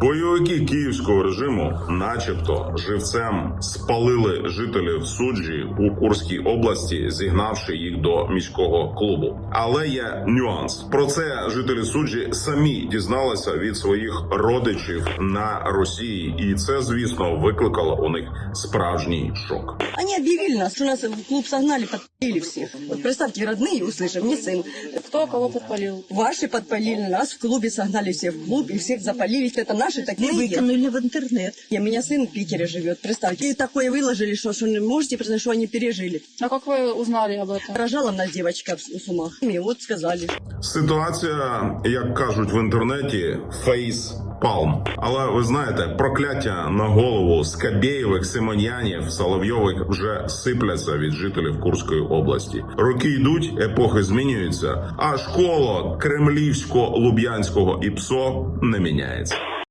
Бойовики київського режиму начебто живцем спалили жителів Суджі у Курській області, зігнавши їх до міського клубу. Але є нюанс. Про це жителі Суджі самі дізналися від своїх родичів на Росії. І це, звісно, викликало у них справжній шок. Они объявили нас, что нас в клуб согнали, подпалили всех. Вот представьте, родные услышав, не сын. Кто кого подпалил? Ваши подпалили, нас в клубе согнали всех в клуб, и всех запалили. Это наши такие Выкинули в интернет. У меня сын в Питере живет, представьте. И такое выложили, что не можете представить, что они пережили. А как вы узнали об этом? Рожала нас девочка с ума. И вот сказали. Ситуація, як кажуть в інтернеті, фейс-палм. Але ви знаєте, прокляття на голову Скабєєвих, Симонянів, Соловйових вже сипляться від жителів Курської області. Роки йдуть, епохи змінюються, а школа кремлівсько-луб'янського ІПСО не міняється.